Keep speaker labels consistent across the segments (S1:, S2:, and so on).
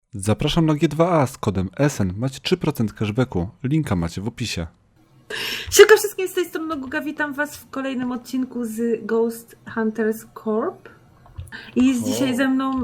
S1: Zapraszam na G2A z kodem SN. Macie 3% cashbacku. Linka macie w opisie.
S2: Siemka wszystkim, z tej strony Guga, witam was w kolejnym odcinku z Ghost Hunters Corp. I jest dzisiaj ze mną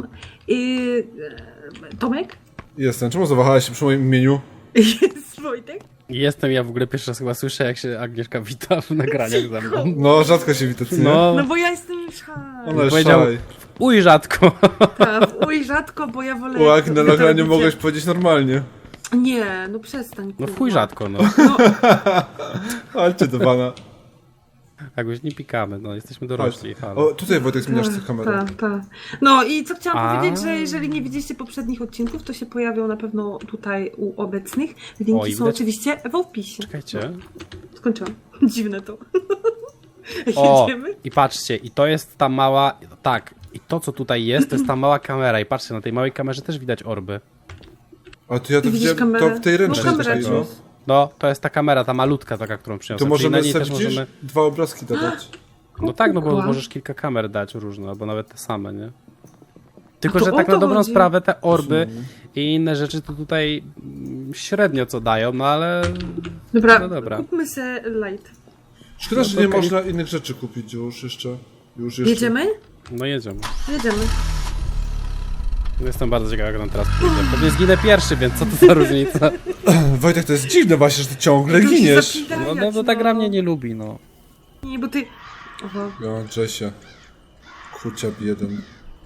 S2: Tomek.
S1: Jestem. Czemu zawahałeś się przy moim imieniu?
S2: Jest Wojtek.
S3: Jestem, ja w ogóle pierwszy raz chyba słyszę, jak się Agnieszka wita w nagraniach ze mną.
S1: No, rzadko się wita, co nie?
S2: No bo ja jestem już
S1: Ona jest
S3: powiedział-
S1: szalej.
S3: Uj, rzadko.
S2: Uj, rzadko, bo ja wolę...
S1: Łak, na nagraniu
S2: tradycję.
S1: mogłeś powiedzieć normalnie.
S2: Nie, no przestań.
S3: No
S2: kurwa.
S3: chuj rzadko, no.
S2: No,
S1: Chodźcie do pana.
S3: Tak, już nie pikamy, no, jesteśmy dorośli. Halo.
S1: O, tutaj Wojtek zmieniasz tę kamerę.
S2: tak. No i co chciałam
S3: A.
S2: powiedzieć, że jeżeli nie widzieliście poprzednich odcinków, to się pojawią na pewno tutaj u obecnych. Linki
S3: O, i
S2: są
S3: widać-
S2: oczywiście w opisie.
S3: Czekajcie.
S2: Skończyłam. Dziwne to.
S3: O,
S2: Jedziemy?
S3: i patrzcie, i to jest ta mała, tak, i to co tutaj jest, to jest ta mała kamera i patrzcie, na tej małej kamerze też widać orby.
S1: A to ja to
S2: Widzisz
S1: widziałem
S2: kamerę?
S1: to w tej ręcznej.
S2: No, kamerę
S1: takiej, no.
S2: wziąć.
S3: No, to jest ta kamera, ta malutka taka, którą
S1: To
S3: przyniosłem. Czyli na
S1: możemy
S3: niej
S1: sobie,
S3: też
S1: widzisz,
S3: możemy...
S1: dwa obrazki dodać.
S3: No tak, no bo
S2: Kukła.
S3: możesz kilka kamer dać różne, albo nawet te same, nie? Tylko,
S2: A to
S3: że
S2: o
S3: tak
S2: to
S3: na dobrą
S2: chodzi.
S3: sprawę te orby i inne rzeczy to tutaj średnio co dają, no ale...
S2: Dobra,
S3: No dobra.
S2: kupmy se light.
S1: Szkoda, że
S3: to
S1: nie
S3: okej.
S1: można innych rzeczy kupić już jeszcze. Już jeszcze.
S2: Jedziemy?
S3: No jedziemy.
S2: Jedziemy.
S3: Jestem bardzo ciekaw, jak nam teraz pójdzie. Pewnie zginę pierwszy, więc co to za różnica?
S1: Wojtek, to jest dziwne właśnie, że ty ciągle
S2: To się
S1: giniesz.
S2: zapidajać,
S3: No bo ta gra mnie nie lubi, no.
S2: Nie, bo ty... Oho.
S1: Ja, Jessie. Kuciab jeden.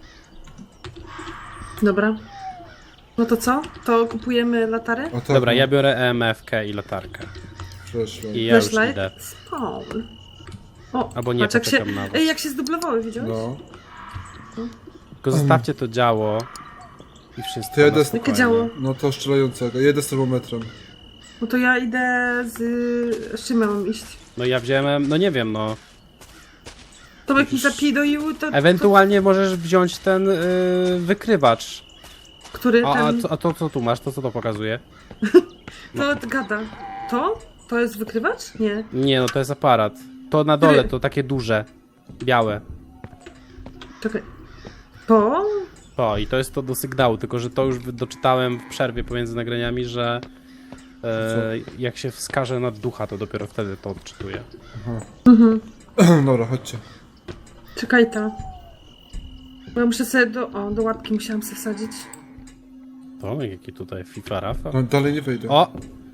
S2: Dobra. No to co? To kupujemy latarę?
S1: A tak,
S3: Dobra,
S1: no,
S3: ja biorę EMF-kę i latarkę.
S1: przeszłem.
S3: I ja już
S2: Flashlight?
S3: idę.
S2: Spawn. O,
S3: Albo nie,
S2: patrz, jak się...
S3: poczekam na was.
S2: Ej, jak się zdublowały, widziałeś?
S1: No.
S3: Tylko zostawcie to działo i wszystko.
S1: To ja
S3: na
S1: idę-
S3: spokojnie.
S2: Jakie działo?
S1: No to strzelającego. Jedę z termometrem.
S2: No to ja idę z... Z czym ja mam iść?
S3: No ja wziąłem, no nie wiem, no.
S2: Tomek mi zapidoił, to...
S3: Ewentualnie możesz wziąć ten wykrywacz.
S2: Który ten...
S3: A to co tu masz? To co to pokazuje?
S2: To gada. To? To jest wykrywacz? Nie.
S3: Nie, no to jest aparat. To na dole,
S2: Który?
S3: to takie duże. Białe.
S2: Czekaj. To?
S3: O, i to jest to do sygnału, tylko że to już doczytałem w przerwie pomiędzy nagraniami, że jak się wskaże na ducha, to dopiero wtedy to odczytuje.
S1: Dobra, chodźcie.
S2: Czekaj ta. Bo ja muszę sobie do łapki musiałam sobie wsadzić.
S3: To, jaki tutaj FIFA Rafa.
S1: No dalej nie wejdę.
S3: O!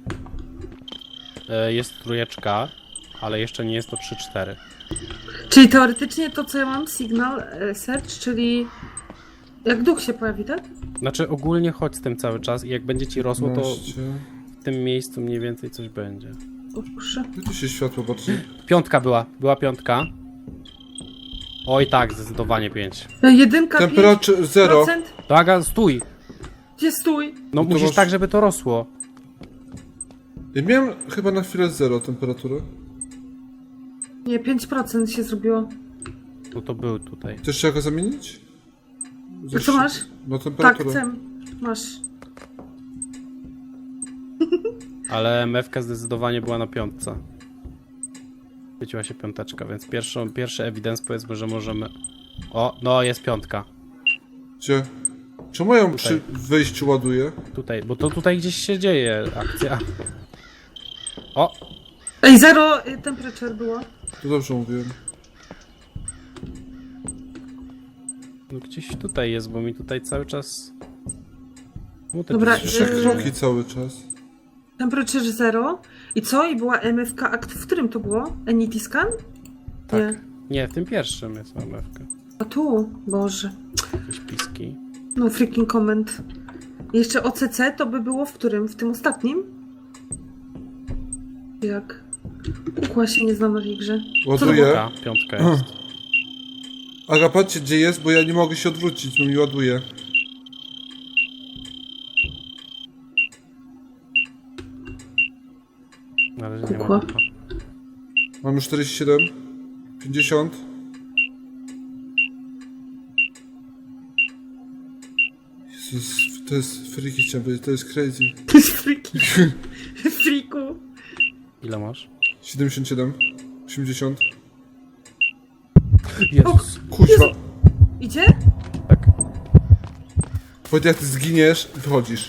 S3: Jest trójeczka, ale jeszcze nie jest to 3-4.
S2: Czyli teoretycznie to, co ja mam, signal search, czyli jak duch się pojawi, tak?
S3: Znaczy ogólnie chodź z tym cały czas i jak będzie ci rosło, to
S1: 15.
S3: w tym miejscu mniej więcej coś będzie.
S2: O, proszę.
S1: Gdzie tu się światło bardziej?
S3: Piątka była piątka. Oj tak, zdecydowanie 5.
S2: Jedynka,
S1: Temperatura 0.
S2: 5%.
S3: To Aga, stój!
S2: Gdzie stój?
S3: No
S1: No to
S3: musisz
S1: masz-
S3: tak, żeby to rosło.
S1: Ja miałem chyba na chwilę 0 temperatury.
S2: Nie, 5% się zrobiło.
S3: No to był tutaj.
S1: Chcesz się go zamienić?
S2: A co masz?
S1: No
S2: Tak,
S1: temperaturę.
S2: chcę. Masz.
S3: Ale MFK zdecydowanie była na piątce. Świeciła się piąteczka, więc pierwszy evidence powiedzmy, że możemy... O, no jest piątka.
S1: Gdzie? Czemu ja ją przy wyjściu ładuję?
S3: Tutaj, bo to tutaj gdzieś się dzieje akcja. O,
S2: Ej, 0 temperature było.
S1: To dobrze mówiłem.
S3: no gdzieś tutaj jest, bo mi tutaj cały czas... No, te
S2: Dobra,
S3: drzwi-
S1: 3 kroki cały czas.
S2: Temperature 0. I co? I była MFK akt, w którym to było? Enity scan?
S3: Tak.
S2: Nie.
S3: Nie, w tym pierwszym jest MFK.
S2: A tu? Boże.
S3: Jakieś piski.
S2: No freaking comment. Jeszcze OCC to by było w którym? W tym ostatnim? Jak? Kukła się nie znam na tej grze.
S1: Ładuję.
S3: Piątka jest.
S1: Aga, patrzcie gdzie jest, bo ja nie mogę się odwrócić, bo mi ładuje.
S3: Na razie nie
S2: Kukła.
S3: ma.
S1: Mamy 47. 50. Jezus, to jest freaky chciałem powiedzieć, to jest crazy.
S2: To jest freaky. Freaku.
S3: Ile masz?
S1: 77. 80.
S3: Jezus.
S1: Kuźwa.
S2: Idzie?
S3: Tak.
S4: Wojtek, jak ty zginiesz, wychodzisz.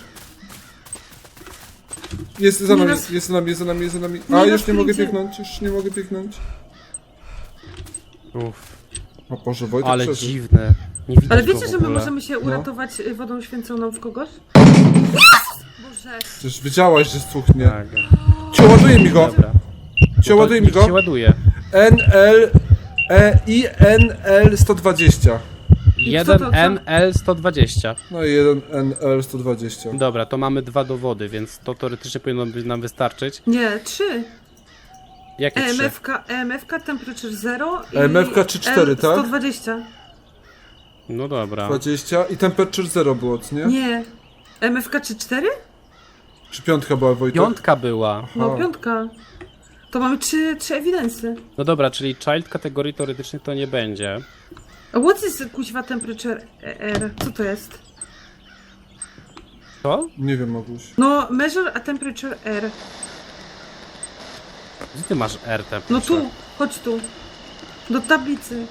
S4: Jest za
S2: Nie
S4: nami,
S2: nas-
S4: jest za nami, jest za nami, jest za nami.
S2: Nie
S4: A,
S2: nas
S4: już nie mogę
S2: wyjdzie.
S4: biegnąć, już nie mogę biegnąć.
S3: Uff,
S4: O Boże, Wojtek
S3: ale
S4: przeżył.
S3: dziwne. Nie widać
S2: Ale
S3: go
S2: wiecie,
S3: w
S2: że my
S3: ogóle.
S2: możemy się uratować wodą święconą w kogoś? Boże.
S4: Przecież wiedziałaś, że stuchnie.
S3: Tak.
S4: Cio, ładuje mi go!
S3: Dobra.
S4: Cio, ładuje mi
S3: Niech się
S4: go!
S3: ładuje.
S4: INL 120.
S2: co to?
S3: 1NL120.
S4: No i 1NL 120.
S3: Dobra, to mamy 2 dowody, więc to teoretycznie powinno nam wystarczyć.
S2: Nie, 3.
S3: Jakie 3?
S2: EMF-ka, temperature 0 i
S4: EMF-ka 3-4, tak?
S2: 120.
S3: No dobra.
S4: 20 i temperature 0 było, co nie?
S2: Nie. EMF-ka czy 4?
S4: Czy piątka była, Wojtek?
S3: 5 była.
S2: No,
S4: Aha.
S2: 5. To mamy 3 ewidensy.
S3: No dobra, czyli child kategorii teoretycznie to nie będzie.
S2: A what is kuźwa temperature R? Co to jest?
S3: Co?
S4: Nie wiem, Maguś.
S2: No, measure a temperature R.
S3: Gdzie ty masz R
S2: No
S3: temperature?
S2: tu, chodź tu. Do tablicy.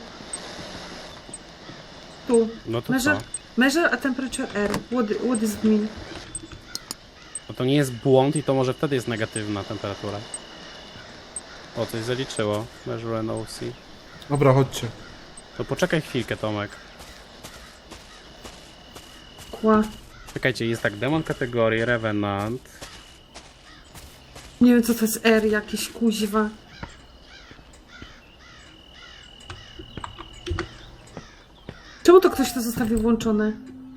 S2: Tu.
S3: No to
S2: Measure,
S3: co?
S2: measure a temperature R. What does it mean?
S3: No to nie jest błąd i to może wtedy jest negatywna temperatura. O, coś zaliczyło. Measure NOC.
S4: Dobra, chodźcie.
S3: To poczekaj chwilkę, Tomek.
S2: Kła.
S3: Czekajcie, jest tak, demon kategorii, Revenant.
S2: Nie wiem co to jest R jakieś kuźwa. Czemu to ktoś to zostawił włączone?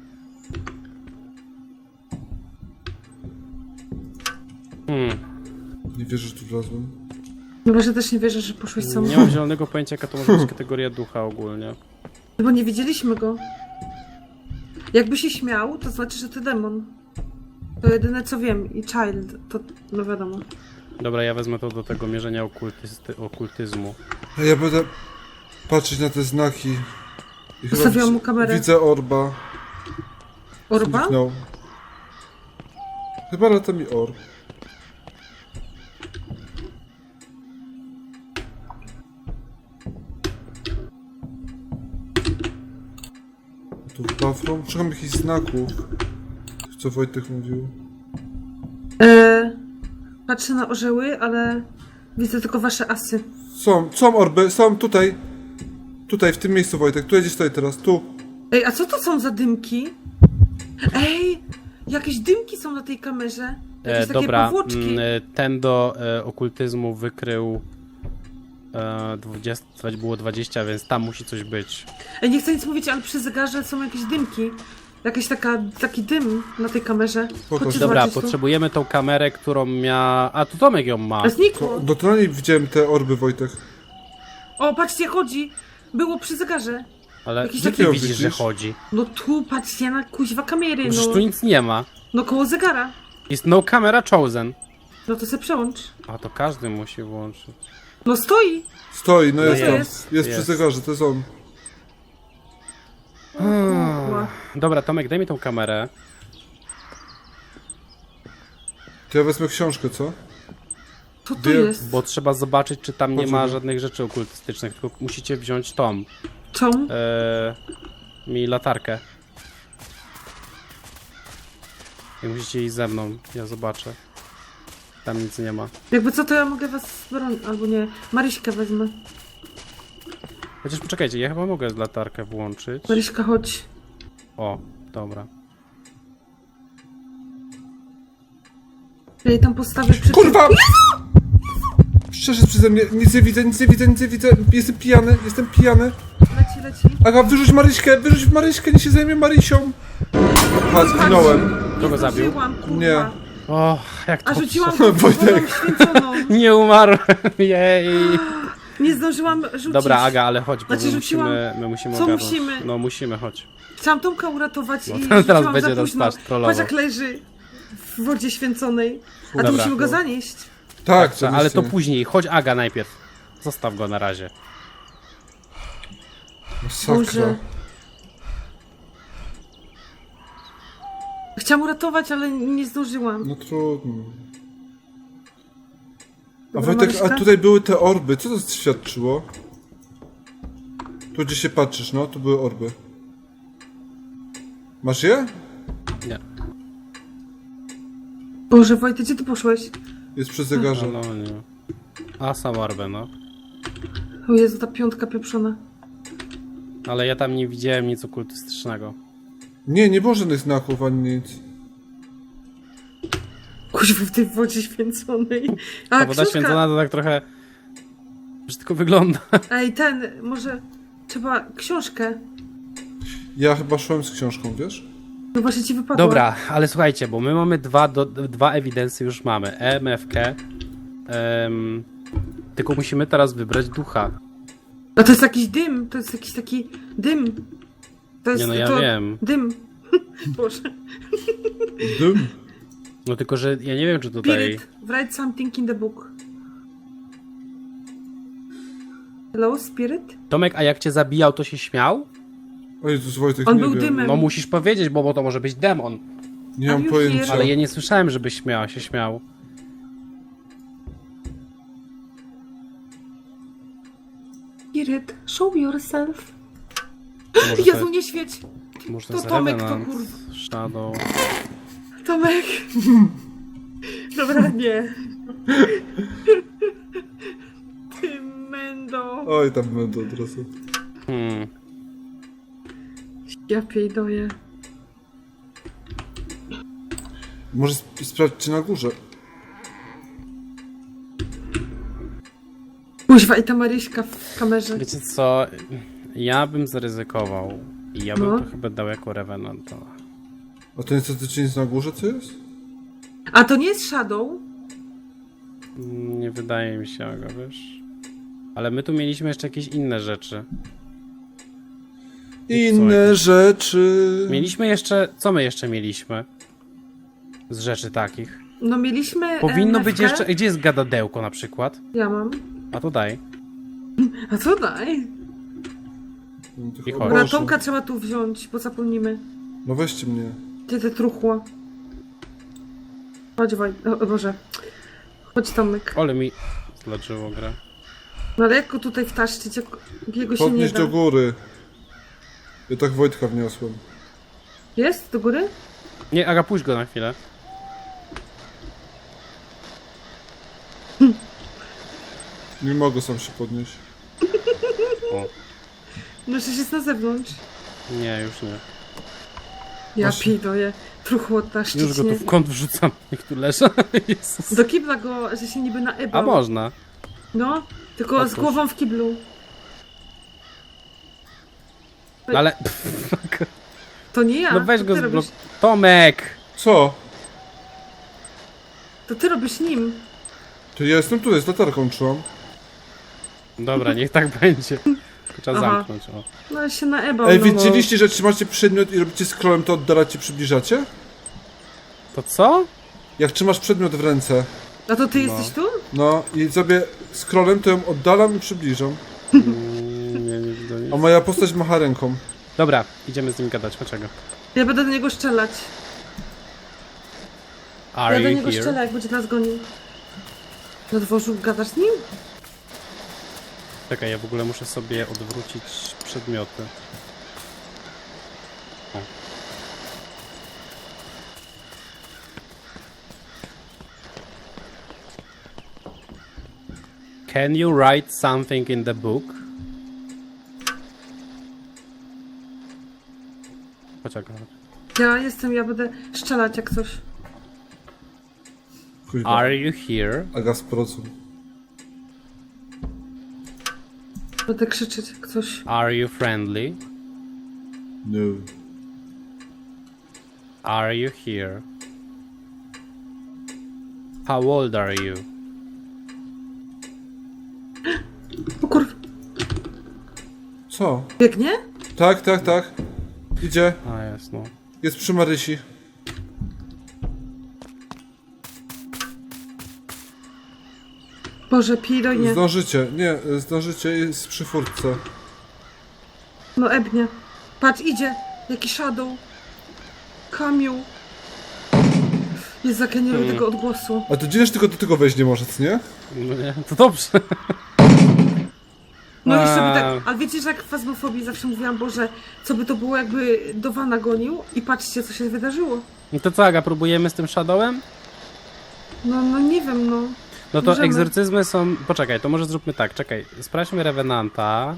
S4: Nie wierzę, że tu wlazłem.
S2: No właśnie też nie wierzę, że poszłeś sam.
S3: Nie mam zielonego pojęcia, jaka to może być kategoria ducha ogólnie.
S2: No bo nie widzieliśmy go. Jakby się śmiał, to znaczy, że to demon. To jedyne co wiem. I child, to no wiadomo.
S3: Dobra, ja wezmę to do tego mierzenia okultyzmu.
S4: A ja będę patrzeć na te znaki. I chyba
S2: Ustawiłam mu kamerę.
S4: Widzę orba.
S2: Orba?
S4: Zniknął. Chyba lata mi orb. Tu w bathroom. Szukam jakichś znaków. Co Wojtek mówił.
S2: Patrzę na orzeły, ale widzę tylko wasze asy.
S4: Są orby, są tutaj. Tutaj, w tym miejscu, Wojtek. Tu gdzieś stoi teraz, tu.
S2: Ej, a co to są za dymki? Ej, jakieś dymki są na tej kamerze. Jakieś takie
S3: Dobra,
S2: powłoczki.
S3: ten do okultyzmu wykrył 20, było 20, więc tam musi coś być.
S2: Ej, nie chcę nic mówić, ale przy zegarze są jakieś dymki. Jakiś taki dym na tej kamerze. Chodźcie
S3: Dobra,
S2: zobaczyć
S3: potrzebujemy tą kamerę, którą miała... A, tu Tomek ją ma.
S2: to. Znikło.
S4: No to na niej widziałem te orby, Wojtek.
S2: O, patrzcie, chodzi. Było przy zegarze.
S3: Ale
S2: jakiś
S3: gdzie
S2: taki-
S3: ty widzisz,
S4: widzisz?
S3: że chodzi?
S2: No tu, patrzcie na kuźwa kamery,
S3: Przecież
S2: no.
S3: tu nic nie ma.
S2: No koło zegara.
S3: Jest no camera chosen.
S2: No to se przełącz.
S3: A to każdy musi włączyć.
S2: No stoi.
S4: Stoi, no jest tam.
S2: jest.
S4: Jest przy
S3: Jest.
S4: zegarze, to jest on.
S2: Kurwa.
S3: Dobra, Tomek, daj mi tą kamerę.
S4: To ja wezmę książkę, co?
S2: Co to
S4: Wie-
S2: jest?
S3: Bo trzeba zobaczyć, czy tam nie ma
S4: Poczekaj.
S3: żadnych rzeczy okultystycznych, tylko musicie wziąć tą.
S2: Co?
S3: Mi latarkę. I musicie iść ze mną, ja zobaczę. Tam nic nie ma.
S2: Jakby co, to ja mogę was bronić. Albo nie. Maryśkę wezmę.
S3: Chociaż poczekajcie, ja chyba mogę latarkę włączyć.
S2: Maryśka, chodź.
S3: O, dobra.
S2: Ja jej tam postawię przy
S4: Kurwa! Przeszedł przeze mnie, nic nie widzę, nic nie widzę, nic nie widzę. Jestem pijany.
S2: Leci.
S4: Aga, wyrzuć Maryśkę, nie się zajmie Marysią. A, zginąłem.
S3: Kto go zabił?
S2: Zdążyłam, kurwa.
S4: Nie.
S3: O, jak to...
S2: A rzuciłam go wodą
S4: Wojtek.
S2: święconą.
S3: Nie umarłem, jej.
S2: Nie zdążyłam rzucić.
S3: Dobra, Aga, ale chodź, bo
S2: Znaczy,
S3: my
S2: rzuciłam-
S3: musimy
S2: Co
S3: ogarnąć.
S2: musimy?
S3: No musimy, chodź.
S2: Chciałam Tomka uratować
S3: No,
S2: i
S3: teraz
S2: rzuciłam
S3: będzie
S2: za
S3: nas
S2: późno.
S3: patrz, trollował.
S2: Patrz jak leży w wodzie święconej. A
S3: Dobra.
S2: tu musimy go zanieść.
S4: Tak,
S3: Ale to
S4: oczywiście.
S3: później, chodź Aga najpierw. Zostaw go na razie.
S4: Masakra.
S2: Boże. Chciałam uratować, ale nie zdążyłam.
S4: No trudno. A
S2: Dobra,
S4: Wojtek,
S2: Maryśka?
S4: a tutaj były te orby, co to świadczyło? Tu gdzie się patrzysz, no, tu były orby. Masz je?
S2: Boże, Wojtek, gdzie ty poszłeś?
S4: Jest przy zegarze.
S3: No nie. A, Samarbę, no.
S2: O Jezu, ta piątka pieprzona.
S3: Ale ja tam nie widziałem nic okultystycznego.
S4: Nie było żadnych znaków ani nic.
S2: Kuźwa, w tej wodzie święconej. A,
S3: Ta woda
S2: książka.
S3: święcona to tak trochę brzydko wygląda.
S2: Ej, może trzeba książkę.
S4: Ja chyba szłem z książką, wiesz?
S2: No właśnie ci wypadło.
S3: Dobra, ale słuchajcie, bo my mamy dwa ewidencje już mamy. EMF-kę. Tylko musimy teraz wybrać ducha.
S2: A to jest jakiś dym, to jest jakiś taki dym. To jest
S3: Nie no, ja
S2: to...
S3: wiem.
S2: Dym. Boże.
S4: Dym.
S3: No tylko, że ja nie wiem, czy tutaj...
S2: Spirit, write something in the book. Hello, Spirit?
S3: Tomek, a jak cię zabijał, to się śmiał?
S4: O Jezus, Wojtek,
S2: On
S4: nie
S2: był
S4: wiem.
S2: dymem.
S3: No musisz powiedzieć, bo to może być demon.
S4: Nie mam
S2: Are you
S4: pojęcia.
S2: here?
S3: Ale ja nie słyszałem, żeby się śmiał.
S2: Spirit, show yourself.
S3: Może
S2: Jezu, nie świeć.
S3: może
S2: to
S3: jest
S2: Tomek, to
S3: Revenant,
S2: kurwa.
S3: Shadow.
S2: Tomek. Dobra, nie. Ty mendo.
S4: Oj, tam będę od razu.
S2: Ja piejdoję.
S4: Może sprawdźcie na górze.
S2: Kuźwa, i ta Maryśka w kamerze.
S3: Wiecie co? Ja bym zaryzykował. I ja bym
S2: No.
S3: to chyba dał jako Revenanta.
S4: A to niestety nic na górze, co jest?
S2: A to nie jest Shadow?
S3: Nie wydaje mi się go, wiesz. Ale my tu mieliśmy jeszcze jakieś inne rzeczy.
S4: Inne rzeczy.
S3: Mieliśmy jeszcze... Co my jeszcze mieliśmy? Z rzeczy takich.
S2: No mieliśmy
S3: Powinno być
S2: MFK.
S3: jeszcze... Gdzie jest gadadełko na przykład?
S2: Ja mam.
S3: A to daj.
S2: A co daj?
S4: No, tych
S3: I chodź.
S4: oboży.
S2: Dobra, Tomka trzeba tu wziąć, bo zapomnimy.
S4: No weźcie mnie.
S2: Ty te truchło. Chodź, o Boże. Chodź, Tomek.
S3: Ole mi zlaczyło grę.
S2: No ale jak go tutaj wtaszczyć, jak jego się nie
S4: Podnieś
S2: da?
S4: do góry. Ja tak Wojtka wniosłem.
S2: Jest? Do góry?
S3: Nie, Aga, puść go na chwilę.
S4: Nie mogę sam się podnieść.
S3: O,
S2: No przecież jest na zewnątrz.
S3: nie, już nie.
S2: Ja
S4: Właśnie.
S2: pidoję. Truchło taszczyć,
S3: Już go tu
S2: nie?
S3: w kąt wrzucam. Niech tu leży. Jezus.
S2: Do kibla go, że się niby naebał.
S3: A można.
S2: No, tylko z
S3: Otwórz.
S2: głową w kiblu.
S3: No ale...
S2: To nie ja.
S3: No weź
S2: to
S3: go
S2: ty
S3: zblok...
S2: robisz,
S3: Tomek!
S4: Co?
S2: To ty robisz nim.
S4: To ja jestem tu, z latarką trzymam.
S3: Dobra, niech tak będzie. Tylko trzeba
S2: Aha.
S3: zamknąć, o.
S2: No ale się naebał.
S4: Ej,
S2: no.
S4: wiedzieliście, że trzymacie przedmiot i robicie scrollem, to oddalacie, przybliżacie?
S3: To co?
S4: Jak trzymasz przedmiot w ręce,
S2: A to ty
S3: No.
S2: jesteś tu?
S4: no i sobie scrollem to ją oddalam i przybliżam.
S3: Nie widzę nic.
S4: A moja postać macha ręką.
S3: Dobra, idziemy z nim gadać, dlaczego?
S2: Ja będę do niego strzelać.
S3: Are
S2: Ja do
S3: you
S2: niego
S3: here?
S2: strzelę, jak będzie nas gonił. Na dworzu gadasz z nim?
S3: Czekaj, ja w ogóle muszę sobie odwrócić przedmioty. O. Can you write something in the book? Poczekaj.
S2: Ja będę strzelać jak coś.
S4: Kuźwa.
S3: Are you here?
S4: Aga z procu.
S2: Będę krzyczeć jak coś.
S3: Are you friendly?
S4: No.
S3: Are you here? How old are you?
S2: O kurwa,
S4: Co?
S2: biegnie?
S4: Tak, tak, tak. Idzie.
S3: A jest, no.
S4: Jest przy Marysi.
S2: Boże, pidonie.
S4: Zdążycie. Nie, zdążycie, jest przy furtce.
S2: No ebnie. Patrz, idzie. Jaki shadow. Kamiu. Jest ja nie lubię tego odgłosu.
S4: A to dziwne, tylko do tego wejść nie może, co nie?
S3: No nie, to dobrze.
S2: No i sobie
S3: A.
S2: tak, ale wiecie, że jak w fazmofobii zawsze mówiłam, Boże, co by to było, jakby do wana gonił i patrzcie, co się wydarzyło.
S3: No to co, Aga, próbujemy z tym Shadowem?
S2: No nie wiem, no.
S3: No to
S2: Możemy.
S3: egzorcyzmy są... Poczekaj, to może zróbmy tak, czekaj. Sprawdźmy Revenanta.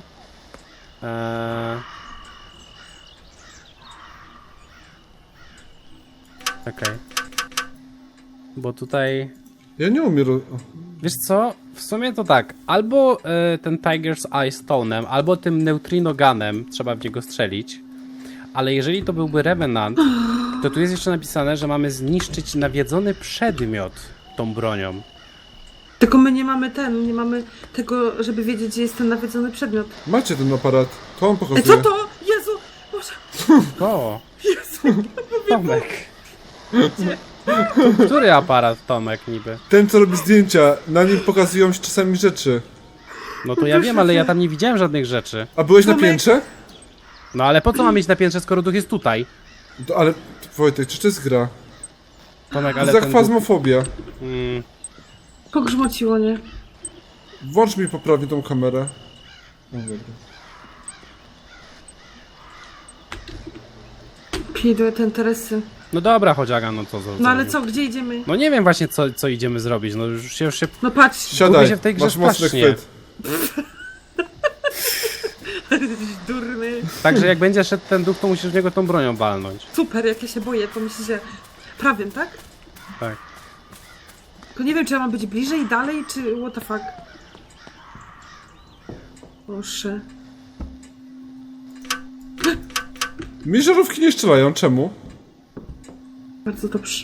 S3: Czekaj. Bo tutaj...
S4: Ja nie umiem...
S3: Wiesz co? W sumie to tak. Albo ten Tiger's Eye Stone'em, albo tym Neutrino Gunem trzeba w niego strzelić. Ale jeżeli to byłby Revenant, to tu jest jeszcze napisane, że mamy zniszczyć nawiedzony przedmiot tą bronią.
S2: Tylko my nie mamy nie mamy tego, żeby wiedzieć, gdzie jest ten nawiedzony przedmiot.
S4: Macie ten aparat. To on pokazuje.
S2: Co to? Jezu! Boże!
S3: O!
S2: Jezu!
S3: Tomek! Który aparat, Tomek, niby?
S4: Ten, co robi zdjęcia, na nim pokazują się czasami rzeczy.
S3: No to ja wiem, ale ja tam nie widziałem żadnych rzeczy.
S4: A byłeś na
S2: Tomek.
S4: piętrze?
S3: No ale po co mam mieć na piętrze, skoro duch jest tutaj?
S4: Ale, Wojtek, czy to jest gra?
S3: Tomek,
S4: To
S3: ale
S4: jest
S3: ten
S4: jak
S3: duch...
S4: fazmofobia.
S2: Pogrzmociło, nie?
S4: Włącz mi poprawnie tą kamerę. No dobra.
S2: Pierdolę ten Teresy.
S3: No dobra, chodziaga, no co?
S2: No ale co, gdzie idziemy?
S3: No nie wiem właśnie, co idziemy zrobić, no już się...
S2: No patrz!
S4: Siadaj,
S3: się w tej grze
S4: masz mocny
S3: strasznie.
S4: chwyt.
S2: Durny.
S3: Także jak będzie szedł ten duch, to musisz w niego tą bronią walnąć.
S2: Super, jak ja się boję, to myślę, że prawym, tak?
S3: Tak.
S2: Tylko nie wiem, czy ja mam być bliżej, dalej, czy what the fuck. Proszę.
S4: Mi żarówki nie strzelają, czemu?
S2: Bardzo dobrze.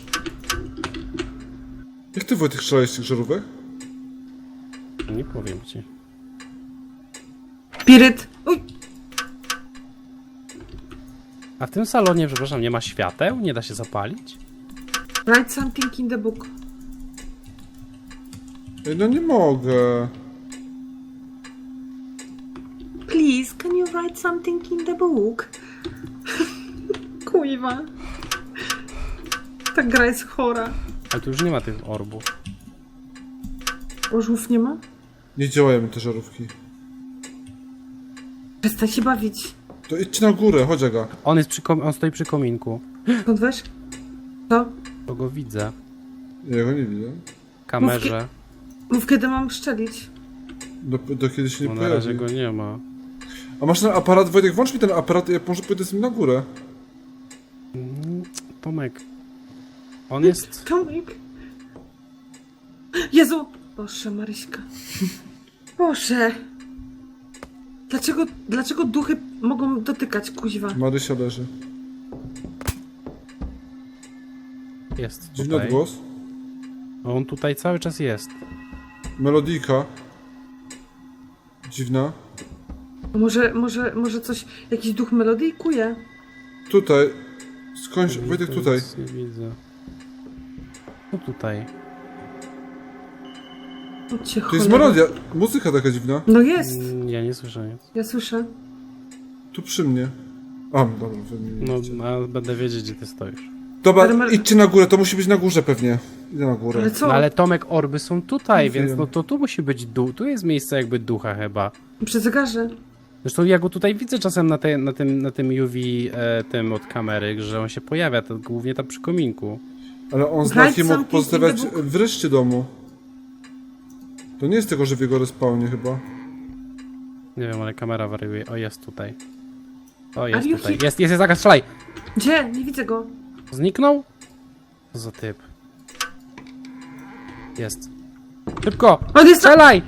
S4: Jak ty, Wojtek, strzelałeś z tych żarówek?
S3: Nie powiem ci.
S2: Spiryt! Uj!
S3: A w tym salonie, przepraszam, nie ma świateł? Nie da się zapalić?
S2: Write something in the book.
S4: Ej, no nie mogę.
S2: Please, can you write something in the book? Kuiwa. Ta gra jest chora.
S3: Ale tu już nie ma tych orbów.
S2: Orzłów nie ma?
S4: Nie działają te żarówki.
S2: Przestań się bawić.
S4: To idźcie na górę, chodź Aga.
S3: On jest on stoi przy kominku.
S2: Skąd wiesz? Co?
S3: To go widzę.
S4: Ja go nie widzę.
S3: W kamerze.
S2: Mów, kiedy mam szczelić.
S4: Do kiedy się nie
S3: Bo na razie
S4: pojawi.
S3: go nie ma.
S4: A masz ten aparat, Wojtek, włącz mi ten aparat, ja może pójdę z nim na górę.
S3: Tomek. On jest...
S2: Tomek. Jezu! Boże, Maryśka. Boże. Dlaczego duchy mogą dotykać, kuźwa?
S4: Marysia leży.
S3: Jest
S4: Dziwny
S3: tutaj.
S4: odgłos.
S3: On tutaj cały czas jest.
S4: Melodyjka. Dziwna.
S2: Może coś, jakiś duch melodyjkuje?
S4: Tutaj. Skądś, Wojtek, tutaj.
S3: Nic nie widzę. No tutaj.
S2: Chodźcie,
S4: To jest
S2: cholera.
S4: melodia. Muzyka taka dziwna.
S2: No jest.
S3: Ja nie słyszę nic.
S2: Ja słyszę.
S4: Tu przy mnie. A, dobra, wy mnie nie
S3: No,
S4: widzicie.
S3: a będę wiedzieć, gdzie ty stoisz.
S4: Dobra,
S2: Ale
S4: idźcie na górę, to musi być na górze pewnie. Idę na górę.
S2: Ale co?
S3: No ale Tomek, orby są tutaj,
S4: Nie
S3: więc
S4: wiem.
S3: no to tu musi być duch. Tu jest miejsce jakby ducha chyba.
S2: Przy zegarze.
S3: Zresztą ja go tutaj widzę czasem na tym UV tym od kamery, że on się pojawia, to głównie tam przy kominku.
S4: Ale on
S2: Write
S4: znaki mógł
S2: something
S4: pozostawiać
S2: in the book.
S4: w reszcie domu. To nie jest tego, że w jego respawnie chyba.
S3: Nie wiem, ale kamera wariuje. O, jest tutaj. O,
S2: Are
S3: jest
S2: you
S3: tutaj.
S2: hit?
S3: Jest, Aga, strzelaj!
S2: Gdzie? Nie widzę go.
S3: Zniknął? Co za typ. Jest. Szybko!
S2: On jest na...
S3: Strzelaj!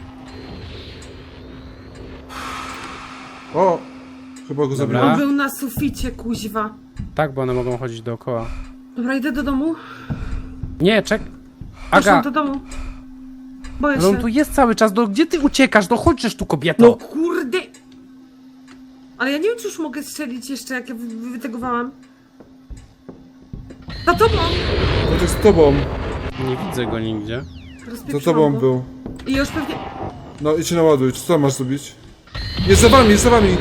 S4: O! Chyba go
S3: Dobra.
S4: zabiłem.
S2: On był na suficie, kuźwa.
S3: Tak, bo one mogą chodzić dookoła.
S2: Dobra, idę do domu.
S3: Nie, czek...
S2: Proszę
S3: Aga!
S2: do domu. Boję
S3: Ale on
S2: się.
S3: tu jest cały czas, gdzie ty uciekasz? No chodźesz tu, kobieto!
S2: No kurde! Ale ja nie wiem, czy już mogę strzelić jeszcze, jak ja wytegowałam. Za tobą!
S4: To z tobą.
S3: Nie widzę go nigdzie.
S4: Za
S2: Rozpieprzyłam
S4: tobą
S2: go.
S4: był.
S2: I już pewnie...
S4: No idź się naładuj. Co tam masz zrobić? Jest za wami, jest za wami!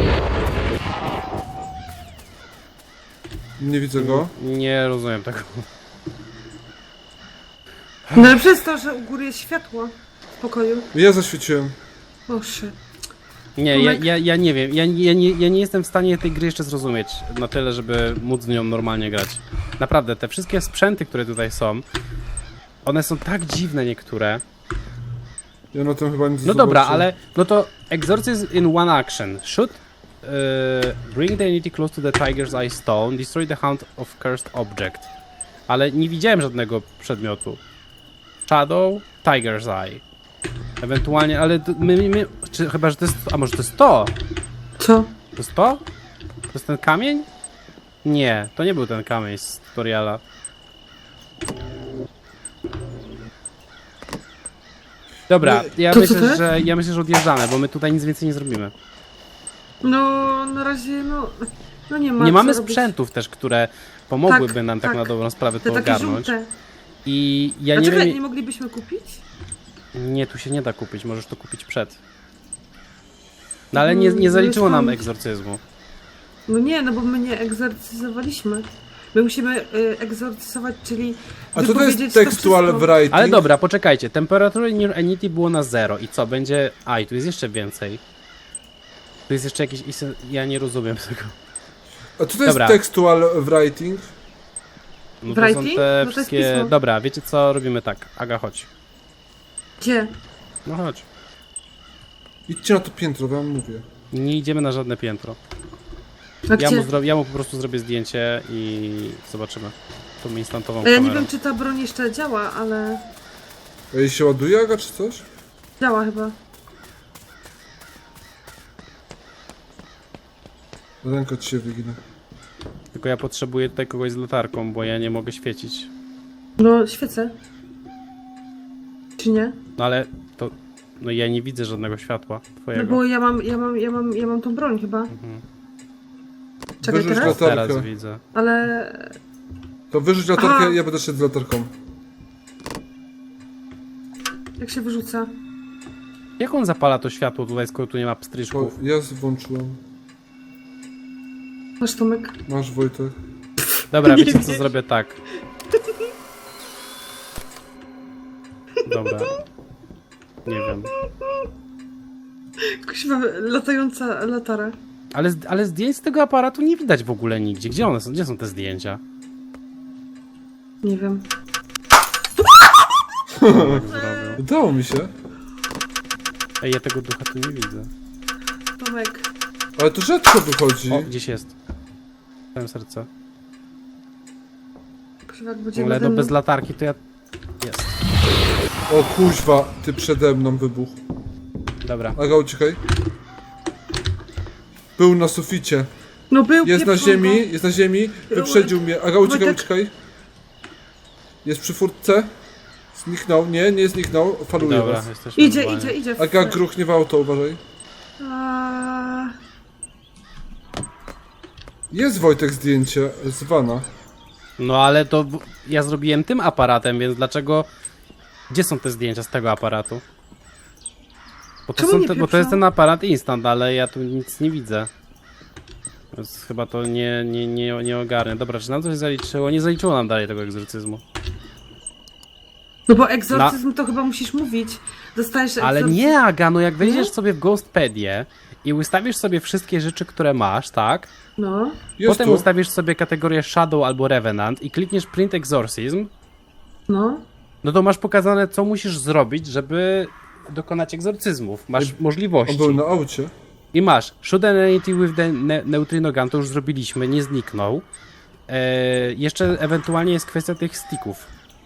S4: Nie widzę go.
S3: Nie rozumiem tego.
S2: No ale przez to, że u góry jest światło w pokoju.
S4: Ja zaświeciłem.
S2: Boże.
S3: Nie,
S2: Tomek.
S3: ja nie wiem. Ja nie jestem w stanie tej gry jeszcze zrozumieć na tyle, żeby móc w nią normalnie grać. Naprawdę, te wszystkie sprzęty, które tutaj są, one są tak dziwne niektóre.
S4: Ja na tym chyba nic
S3: No dobra,
S4: zobaczę.
S3: ale no to exorcism in one action. Shoot, bring the entity close to the tiger's eye stone, destroy the hunt of cursed object. Ale nie widziałem żadnego przedmiotu. Shadow, tiger's eye. Ewentualnie, ale czy chyba, że to jest, a może to jest to?
S2: Co?
S3: To jest to? To jest ten kamień? Nie, to nie był ten kamień z tutoriala. Dobra, ja
S2: to co to
S3: myślę,
S2: jest?
S3: ja myślę, że odjeżdżamy, bo my tutaj nic więcej nie zrobimy.
S2: No, na razie, no nie ma
S3: Nie
S2: co
S3: mamy
S2: robić.
S3: sprzętów też, które pomogłyby
S2: Tak,
S3: nam tak
S2: tak.
S3: na dobrą sprawę
S2: Te
S3: to
S2: takie
S3: ogarnąć.
S2: żółte.
S3: I ja
S2: A
S3: nie
S2: czekaj,
S3: wiem...
S2: nie moglibyśmy kupić?
S3: Nie, tu się nie da kupić, możesz to kupić przed. No ale nie zaliczyło nam egzorcyzmu.
S2: No nie, no bo my nie egzorcyzowaliśmy. My musimy egzorcyzować, czyli
S4: A co to
S2: wypowiedzieć
S4: jest textual
S2: wszystko.
S4: writing?
S3: Ale dobra, poczekajcie, temperatury in your entity było na 0 i co, będzie... A, i tu jest jeszcze więcej. Tu jest jeszcze jakieś... Ja nie rozumiem tego.
S4: A co to jest
S3: Dobra.
S4: textual writing?
S3: No to są
S2: Writing?
S3: te
S2: No to jest
S3: wszystkie...
S2: pismo.
S3: Dobra, wiecie co, robimy tak. Aga, chodź.
S2: Gdzie?
S3: No chodź.
S4: Idźcie na to piętro, wam mówię.
S3: Nie idziemy na żadne piętro.
S2: A gdzie?
S3: Ja mu po prostu zrobię zdjęcie i zobaczymy. Tą instantową
S2: Ja nie
S3: kamerą.
S2: wiem, czy ta broń jeszcze działa, ale
S4: A jej się ładuje, Aga, czy coś?
S2: działa chyba.
S4: Ręka ci się wygina.
S3: Tylko ja potrzebuję tutaj kogoś z latarką, bo ja nie mogę świecić.
S2: No, świecę. Czy nie?
S3: No ale to... No ja nie widzę żadnego światła
S2: No
S3: twojego.
S2: bo ja mam tą broń chyba. Czekaj
S4: Wyrzuć
S2: teraz?
S4: latarkę.
S3: Teraz widzę.
S2: Ale...
S4: To wyrzuć latarkę,
S2: Aha.
S4: ja będę szedł z latarką.
S2: Jak się wyrzuca?
S3: Jak on zapala to światło tutaj, skoro tu nie ma
S4: Bo
S3: pstryczków?
S4: ja włączyłem.
S2: Masz Tomek?
S4: Masz, Wojtek.
S3: Dobra,
S2: Nie
S3: wiecie co,
S2: wiesz.
S3: zrobię tak. Dobra. Nie wiem.
S2: Kuźwa, latająca latara.
S3: Ale zdjęć z tego aparatu nie widać w ogóle nigdzie. Gdzie one są? Gdzie są te zdjęcia?
S2: Nie wiem.
S3: Tak zrobił.
S4: Udało mi się.
S3: Ej, ja tego ducha tu nie widzę.
S2: Tomek.
S4: Ale to rzadko wychodzi.
S3: O, gdzieś jest. Dałem serce.
S2: Kuźwa, jak będzie
S3: Ale
S2: nade
S3: no
S2: mną.
S3: bez latarki to ja... Jest.
S4: O kuźwa, ty przede mną wybuch.
S3: Dobra.
S4: Aga, uciekaj. Był na suficie.
S2: No był
S4: Jest na
S2: pieprzonko.
S4: ziemi, jest na ziemi. Wyprzedził mnie. Aga, uciekaj,
S2: Wojtek.
S4: uciekaj. Jest przy furtce. Zniknął. Nie zniknął. Faluje
S3: Dobra,
S4: was.
S3: jesteśmy
S2: Idzie,
S3: normalnie.
S2: idzie, idzie.
S4: Aga, gruchnie w auto, uważaj.
S2: A...
S4: Jest, Wojtek, zdjęcie z vana.
S3: No ale to ja zrobiłem tym aparatem, więc dlaczego... Gdzie są te zdjęcia z tego aparatu? Bo to,
S2: Czemu nie
S3: bo to jest
S2: pieprzą?
S3: ten aparat instant, ale ja tu nic nie widzę. Więc chyba to nie ogarnę. Dobra, czy nam coś zaliczyło? Nie zaliczyło nam dalej tego egzorcyzmu.
S2: No bo egzorcyzm to chyba musisz mówić. Dostajesz
S3: Ale
S2: egzorcyzm.
S3: nie, Aga, no jak wejdziesz
S2: Nie?
S3: sobie w Ghostpedię i ustawisz sobie wszystkie rzeczy, które masz, tak?
S2: No.
S4: Jest
S3: Potem
S4: tu.
S3: ustawisz sobie kategorię Shadow albo Revenant i klikniesz Print Exorcism,
S2: No.
S3: no to masz pokazane, co musisz zrobić, żeby dokonać egzorcyzmów. Masz
S4: On
S3: możliwości.
S4: był na aucie.
S3: I masz Shoot an entity with the neutrino gun, to już zrobiliśmy, nie zniknął. Jeszcze ewentualnie jest kwestia tych sticków.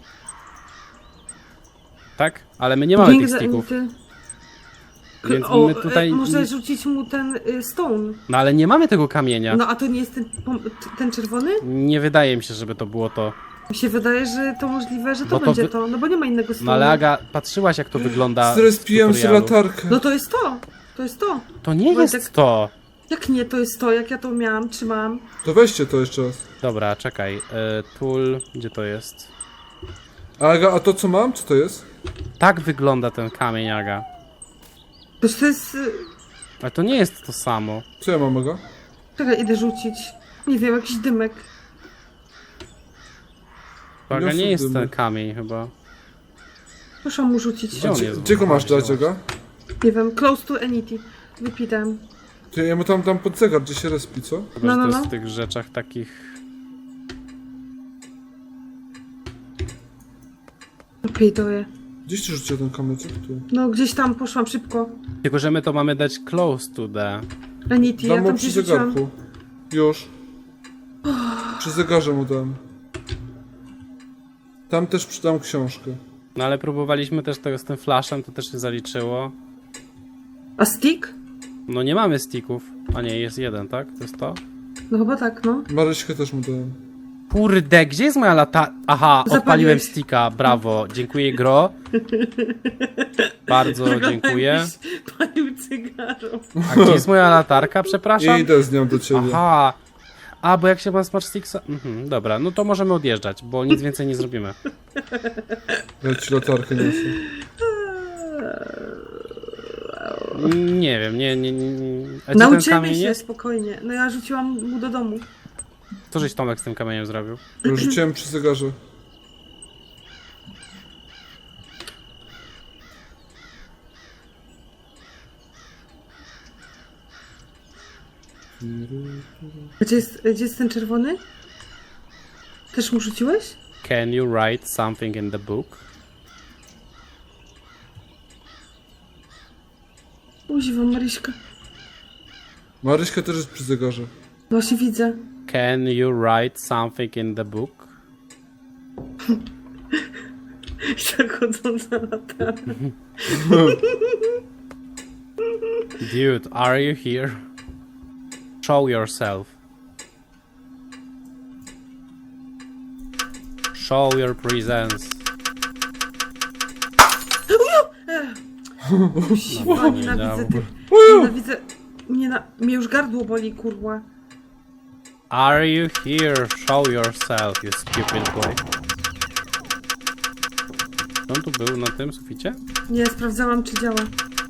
S3: Tak? Ale my nie mamy tych sticków. Więc
S2: O,
S3: my tutaj...
S2: może rzucić mu ten stone.
S3: No ale nie mamy tego kamienia.
S2: No a to nie jest ten czerwony?
S3: Nie wydaje mi się, żeby to było to.
S2: Mi się wydaje, że to możliwe, że to
S3: Bo to
S2: będzie
S3: wy-
S2: to. No bo nie ma innego stone.
S3: No ale Aga, patrzyłaś jak to wygląda.
S4: Zrespiłem
S3: w
S4: sobie
S3: tutorialu.
S4: latarkę.
S2: No to jest to. To jest to.
S3: To nie
S2: Wojtek-
S3: jest to.
S2: Jak nie, to jest to, jak ja to miałam, trzymałam.
S4: To weźcie to jeszcze raz.
S3: Dobra, czekaj. Tool, gdzie to jest?
S4: Aga, a to co mam? Co to jest?
S3: Tak wygląda ten kamień, Aga.
S2: To jest...
S3: Ale to nie jest to samo.
S4: Co ja mam, Aga?
S2: Czekaj, idę rzucić. Nie wiem, jakiś dymek.
S3: Aga,
S4: Niosę
S3: nie jest
S4: dymy.
S3: ten kamień chyba.
S2: Proszę mu rzucić.
S3: Gdzie on
S4: Gdzie,
S3: jest?
S4: gdzie go masz dać, Aga?
S2: Nie wiem, close to entity. Wypisałem.
S4: Ty, ja mu tam dam pod zegar, gdzie się respi, co?
S3: Chyba,
S2: No,
S3: że
S2: no,
S3: to jest
S2: no.
S3: w tych rzeczach takich...
S2: Pejdoję.
S4: Gdzieś ty rzucił ten kamyczek? Tu.
S2: No gdzieś tam poszłam szybko.
S3: Tylko, że my to mamy dać close to the...
S2: Ranity, ja
S4: Dam mu
S2: tam
S4: przy
S2: gdzieś rzuciłam.
S4: zegarku. Już. Przy zegarze mu dam. Tam też przydam książkę.
S3: No ale próbowaliśmy też tego z tym flashem, to też się zaliczyło.
S2: A stick?
S3: No nie mamy sticków. A nie, jest jeden, tak? To jest to?
S2: No chyba tak, no.
S4: Maryśkę też mu dałem.
S3: Kurde, gdzie jest moja lata... Aha,
S2: Zapaliłeś.
S3: odpaliłem sticka, brawo. Dziękuję, Gro. Bardzo dziękuję.
S2: Palił cygaro.
S3: A gdzie jest moja latarka, przepraszam?
S4: Idę z nią do ciebie.
S3: Aha. A, bo jak się ma Smart Sticksa... dobra, no to możemy odjeżdżać, bo nic więcej nie zrobimy.
S4: Ja ci latarkę niosę.
S3: Nie wiem, nie. A gdzie ten
S2: Nauczymy
S3: kamień
S2: się,
S3: jest?
S2: spokojnie. No ja rzuciłam mu do domu.
S3: Co żeś Tomek z tym kamieniem zrobił?
S4: Rzuciłem przy zegarze.
S2: Gdzie jest ten czerwony? Też mu rzuciłeś?
S3: Can you write something in the book?
S2: Uziwa Maryśka.
S4: Maryśka też jest przy zegarze.
S2: Właśnie widzę.
S3: Can you write something in the book?
S2: Jak chodząca lata.
S3: Dude, are you here? Show yourself. Show your presence.
S2: Uziwa, nienawidzę tych. Nienawidzę. Mnie już gardło boli, kurwa.
S3: Are you here? Show yourself, you stupid boy. On tu był na tym suficie?
S2: Nie, sprawdzałam, czy działa.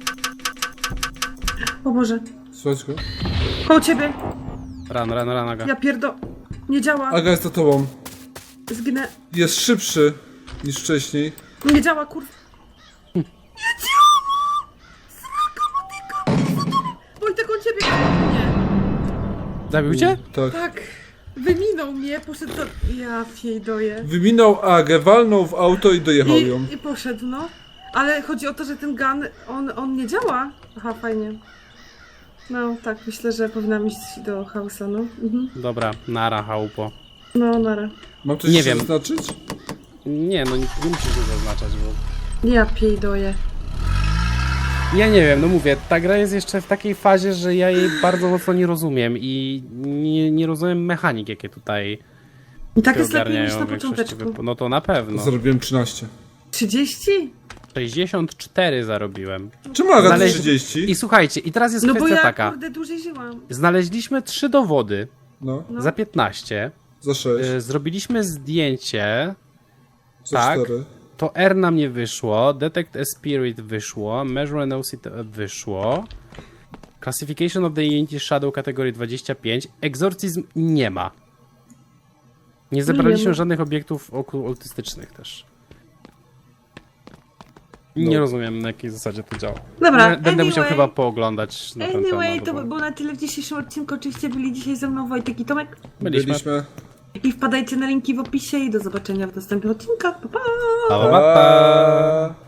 S2: O Boże.
S4: Słuchaj go.
S2: Koło ciebie.
S3: Run, Aga.
S2: Ja Nie działa.
S4: Aga jest za tobą.
S2: Zginę.
S4: Jest szybszy niż wcześniej.
S2: Nie działa, kurwa. Nie działa! Sraka, motyka! Wojtek, on ciebie... Nie.
S3: Zabił cię?
S4: Tak.
S2: Tak. Wyminął mnie, poszedł do... Ja fiejdoję.
S4: Wyminął Agę, walnął w auto i dojechał ją.
S2: I poszedł, no. Ale chodzi o to, że ten gun, on nie działa. Aha, fajnie. No, tak, myślę, że powinnam iść do house'a, no. Mhm.
S3: Dobra, nara, chałupo.
S2: No, nara.
S4: Mam coś
S3: Nie
S4: jeszcze
S3: wiem.
S4: zaznaczyć?
S3: Nie, no nie musisz go zaznaczać, bo...
S2: Ja piejdoję.
S3: Ja nie wiem, no mówię, ta gra jest jeszcze w takiej fazie, że ja jej bardzo mocno nie rozumiem i nie rozumiem mechanik, jakie tutaj
S2: I tak
S3: się
S2: jest lepiej niż na
S3: ogarniają w większości
S2: począteczku.
S3: No to na pewno.
S4: Zarobiłem 13.
S2: 30?
S3: 64 zarobiłem.
S4: Czemu Aga
S3: Znaleźć-
S4: 30?
S3: I słuchajcie, i teraz jest
S2: No bo
S3: kwestia
S2: ja,
S3: taka.
S2: kurde, dłużej żyłam.
S3: Znaleźliśmy 3 dowody
S4: No,
S2: No.
S3: za 15.
S4: za 6.
S3: Zrobiliśmy zdjęcie.
S4: Za
S3: tak.
S4: 4.
S3: To R nam nie wyszło. Detect a Spirit wyszło. Measure an OCT wyszło. Classification of the Entity Shadow kategorii 25. Exorcism nie ma. Nie zebraliśmy
S2: Nie ma.
S3: żadnych obiektów okultystycznych też.
S4: No.
S3: Nie rozumiem, na jakiej zasadzie to działa.
S2: Dobra,
S3: Będę musiał
S2: anyway.
S3: chyba pooglądać na ten
S2: Anyway,
S3: temat.
S2: to
S3: bo
S2: by było na tyle w dzisiejszym odcinku. Oczywiście byli dzisiaj ze mną Wojtek i Tomek.
S3: byliśmy.
S2: I wpadajcie na linki w opisie i do zobaczenia w następnych odcinkach. Pa, pa!
S3: Pa, pa, pa.